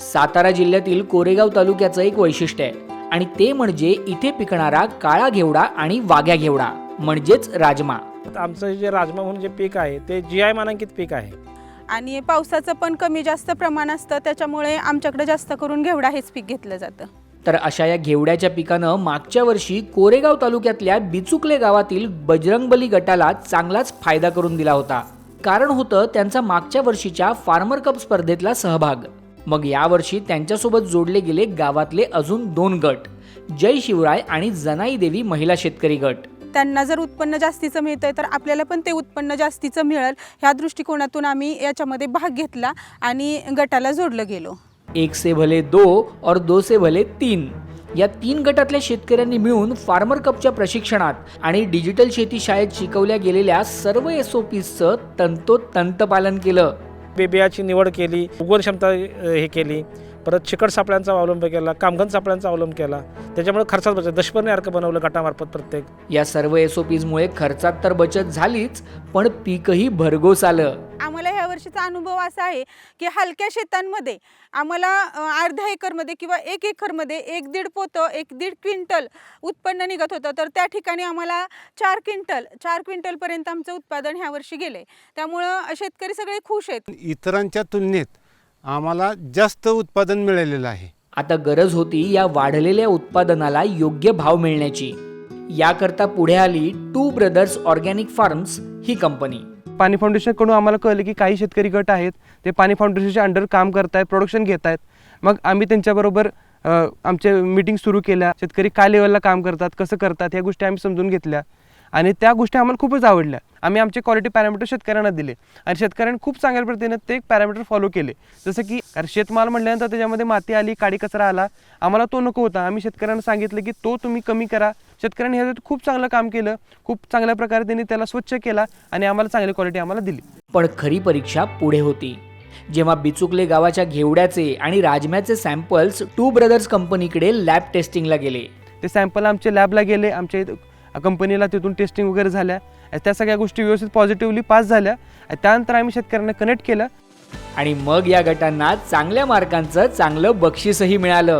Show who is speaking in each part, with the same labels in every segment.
Speaker 1: सातारा जिल्ह्यातील कोरेगाव तालुक्याचं एक वैशिष्ट्य आहे आणि ते म्हणजे इथे पिकणारा काळा घेवडा आणि वाघ्या घेवडा म्हणजेच राजमा.
Speaker 2: आमचं जे राजमा म्हणून जे पीक आहे ते GI मानांकित पीक आहे
Speaker 3: आणि पावसाचं पण कमी जास्त प्रमाण असतं, त्याच्यामुळे आमच्याकडे जास्त करून घेवडा हेच पीक घेतलं जातं.
Speaker 1: तर अशा या घेवड्याच्या पिकानं मागच्या वर्षी कोरेगाव तालुक्यातल्या बिचुकले गावातील बजरंगबली गटाला चांगलाच फायदा करून दिला होता. कारण होतं त्यांचा मागच्या वर्षीच्या फार्मर कप स्पर्धेतला सहभाग. मग यावर्षी त्यांच्यासोबत जोडले गेले गावातले अजून 2 गट, जय शिवराय आणि जनाई देवी महिला शेतकरी गट.
Speaker 3: त्यांना जर उत्पन्न जास्तीचं मिळतंय तर आपल्याला पण ते उत्पन्न जास्तीचं मिळेल ह्या दृष्टिकोनातून आम्ही याच्यामध्ये भाग घेतला आणि गटाला जोडलं गेलो.
Speaker 1: 1 से भले 2 और 2 से भले 3 या 3 गटातल्या शेतकऱ्यांनी मिळून फार्मर कपच्या प्रशिक्षणात आणि डिजिटल शेती शाळेत शिकवल्या गेलेल्या सर्व SOPचं तंतोतंत पालन केलं.
Speaker 2: बियाची निवड केली, उगवण क्षमता हे केली, परत चिकट सापळ्यांचा अवलंब केला, कामघन सापळ्यांचा अवलंब केला. त्याच्यामुळे खर्चात बचत, दशपर्णी अर्क बनवलं गटामार्फत प्रत्येक.
Speaker 1: या सर्व SOPमुळे खर्चात तर बचत झालीच, पण पीकही भरघोस आलं.
Speaker 3: आम्हाला ह्या वर्षीचा अनुभव असा आहे की हलक्या शेतांमध्ये आम्हाला अर्ध्या एकरमध्ये किंवा 1 एकरमध्ये 1-1.5 पोतं 1-1.5 क्विंटल उत्पन्न निघत होतं, तर त्या ठिकाणी आम्हाला 4 क्विंटलपर्यंत आमचं उत्पादन ह्या वर्षी गेले. त्यामुळं शेतकरी सगळे खुश आहेत.
Speaker 4: इतरांच्या तुलनेत आम्हाला जास्त उत्पादन मिळालेलं आहे.
Speaker 1: आता गरज होती या वाढलेल्या उत्पादनाला योग्य भाव मिळण्याची. याकरता पुढे आली 2 ब्रदर्स ऑर्गॅनिक फार्म्स ही कंपनी.
Speaker 5: पाणी फाउंडेशनकडून आम्हाला कळलं की काही शेतकरी गट आहेत ते पाणी फाउंडेशनच्या अंडर काम करत आहेत, प्रोडक्शन घेत आहेत. मग आम्ही त्यांच्याबरोबर आमच्या मीटिंग सुरू केल्या. शेतकरी काय लेवलला काम करतात, कसं करतात ह्या गोष्टी आम्ही समजून घेतल्या आणि त्या गोष्टी आम्हाला खूपच आवडल्या. आम्ही आमचे क्वालिटी पॅरामीटर शेतकऱ्यांना दिले आणि शेतकऱ्यांनी खूप चांगल्या पद्धतीने ते पॅरामीटर फॉलो केले. जसं की शेतमाल म्हटल्यानंतर त्याच्यामध्ये माती आली, काडी कचरा आला, आम्हाला तो नको होता. आम्ही शेतकऱ्यांना सांगितलं की तो तुम्ही कमी करा. शेतकऱ्यांनी ह्याच्यात खूप चांगलं काम केलं, खूप चांगल्या प्रकारे त्यांनी त्याला स्वच्छ केला आणि आम्हाला चांगली क्वालिटी आम्हाला दिली.
Speaker 1: पण खरी परीक्षा पुढे होती, जेव्हा बिचुकले गावाच्या घेवड्याचे आणि राजम्याचे सॅम्पल्स 2 ब्रदर्स कंपनीकडे लॅब टेस्टिंगला गेले.
Speaker 5: ते सॅम्पल आमच्या लॅबला गेले, आमच्या कंपनीला तिथून टेस्टिंग वगैरे झाल्या. त्या सगळ्या गोष्टी व्यवस्थित पॉझिटिव्हली पास झाल्या. त्यानंतर आम्ही शेतकऱ्यांना कनेक्ट केलं
Speaker 1: आणि मग या गटांना चांगल्या मार्कांचं चांगलं बक्षीसही मिळालं.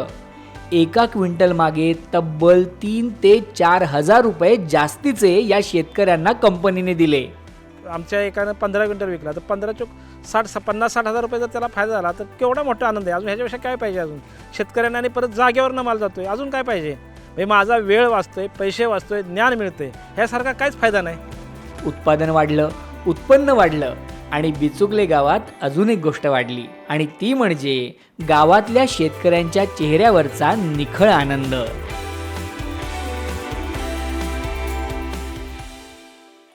Speaker 1: 1 क्विंटल मागे तब्बल 3 ते 4 हजार रुपये जास्तीचे या शेतकऱ्यांना कंपनीने दिले.
Speaker 2: आमच्या एकानं 15 क्विंटल विकला तर 15 चोक 50-60 हजार रुपये जर त्याला फायदा झाला तर केवढा मोठा आनंद आहे. अजून ह्याच्यापेक्षा काय पाहिजे? अजून शेतकऱ्यांना आणि परत जागेवरनं माल जातोय, अजून काय पाहिजे? माझा वेळ वाचतोय, पैसे वाचतोय, ज्ञान मिळतंय, ह्यासारखा काहीच फायदा नाही.
Speaker 1: उत्पादन वाढलं, उत्पन्न वाढलं आणि बिचुकले गावात अजून एक गोष्ट वाढली आणि ती म्हणजे गावातल्या शेतकऱ्यांच्या चेहऱ्यावरचा निखळ आनंद.